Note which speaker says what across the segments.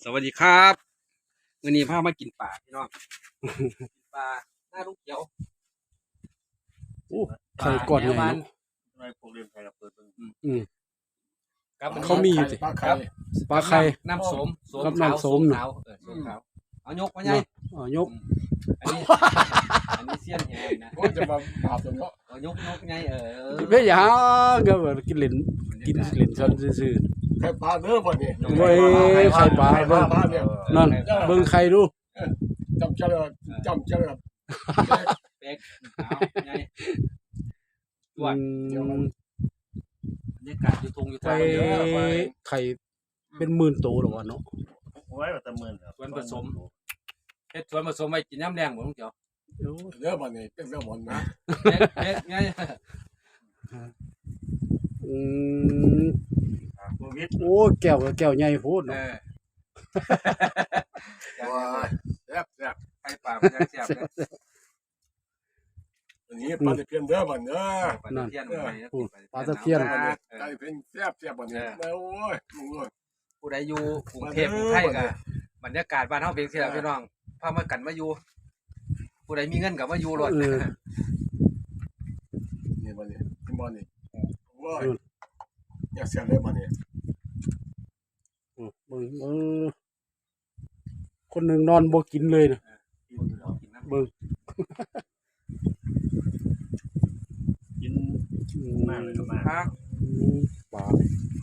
Speaker 1: สวัสดีครับวันนี้พามากินปลาพี่น้องกินปลาหน้าลูกเขียว
Speaker 2: โอ้ไข่ก่อนใหญ่
Speaker 1: บ้าน
Speaker 2: เนาะ
Speaker 3: ไม่พวกเรียนไทยกับเปิดเบิ่ง
Speaker 1: ครับ
Speaker 2: เขามีอยู่สิ
Speaker 3: ปลา
Speaker 1: ครั
Speaker 3: ไข่
Speaker 1: บ
Speaker 2: ปลาไข่
Speaker 1: น้ำโสม
Speaker 2: ครับน้ำโสม
Speaker 1: ขาวโสมขาวเอายกมาไง
Speaker 2: อ๋อยก
Speaker 1: อันนี้อันนี้เสี้ยนแหงนะ
Speaker 3: โอ้ยจะมาบาปตัวเนาะ
Speaker 1: เอายกไง
Speaker 2: ไม่อยากก็แบบกินเหรนกินเหรนซ้อนซื่อ
Speaker 3: ไข่ปลาเนื้อบ่เนี่ย
Speaker 2: เว้ยไข่ปลา
Speaker 3: ไข่ปลาบ้านเนี่ย
Speaker 2: ๆนั่นเบิ่งไข่ดู
Speaker 3: จำเจริญจำเจริญ
Speaker 1: เป๊กเอาไง
Speaker 2: อืม
Speaker 1: บรรยากาศอยู่ทงอยู่
Speaker 2: ไข่
Speaker 1: ทางเยอะ
Speaker 2: ไข่เป็นหมื่นโตหรอวะเนาะ
Speaker 3: โอ้ยแต่หมื่นครับ
Speaker 1: ส่วนผสมเฮ็ดส่วนผสมไว้กินน้ำแดงบ่ลุงเขียว
Speaker 2: โอ้
Speaker 3: เนื้อบ่เนี่ยเป็นเนื้อหมอนนะ
Speaker 1: เป๊กไง
Speaker 2: อืม
Speaker 3: โควิด
Speaker 2: โอ้แก้วก็แก้วใหญ่โพด
Speaker 1: เอ
Speaker 2: เนาะ
Speaker 1: อ
Speaker 3: ว้ายแซ่บแซ่บ
Speaker 1: ไข่ปลามันยังแซ่บเลย
Speaker 3: อันนี้ปลาตะเพียนเนื้อบ่เนื้อ
Speaker 1: ปลาตะเพียนไปนะ
Speaker 2: ปลาตะเพียน
Speaker 3: ไก่เป็นแซ่บแซ่บบ่เนี่ยโอ้ยมึงเอ้ย
Speaker 1: ผู้ใดอยู่กรุงเทพกรุงไทยก็บรรยากาศบ้านเฮาเพียงเสียพี่น้องพามากันมาอยู่ผู้ใดมีเงินก็มาอยู่รถ
Speaker 3: นี่บ่เนี่ยกินบ่เนี่ยโอ้ยอยากแซ่บเลยบ่เนี่ย
Speaker 2: เบิ่งคนหนึงนอนบ่กินเลยนะ
Speaker 1: กินน้ำ
Speaker 2: เบิ่ง
Speaker 3: กิน
Speaker 2: อื
Speaker 3: มากเลยก็มาก
Speaker 1: ครับ
Speaker 2: ปลา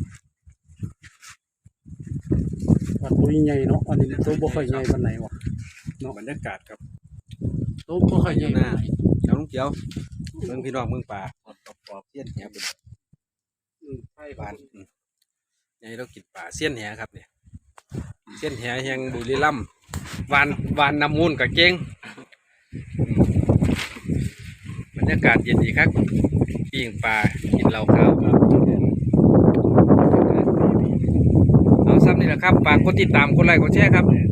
Speaker 2: ปลาตัวใหญ่เนาะอันนี้ตัวบ่ค่อยใหญ่ปานไหนวะ
Speaker 1: บรรยากาศครับ
Speaker 2: ตัวบ่ค่อยใหญ่
Speaker 1: หน้าเจ้าลุงเขียวเมืองพี่น้องเมืองป่าปอบเสี้ยนแหเป็นไผ่บ้านนี่เรากินป่าเสี้ยนแหครับเนี่ยเสี้ยนแหแห่งบุรีรัมย์วานน้ำมูลกับเก้งบรรยากาศเย็นดีครับปิ้งปลากินเหล้าขาวครับเอาซ้ำนี่แหละครับฝากกดติดตามกดไลค์กดแชร์ครับ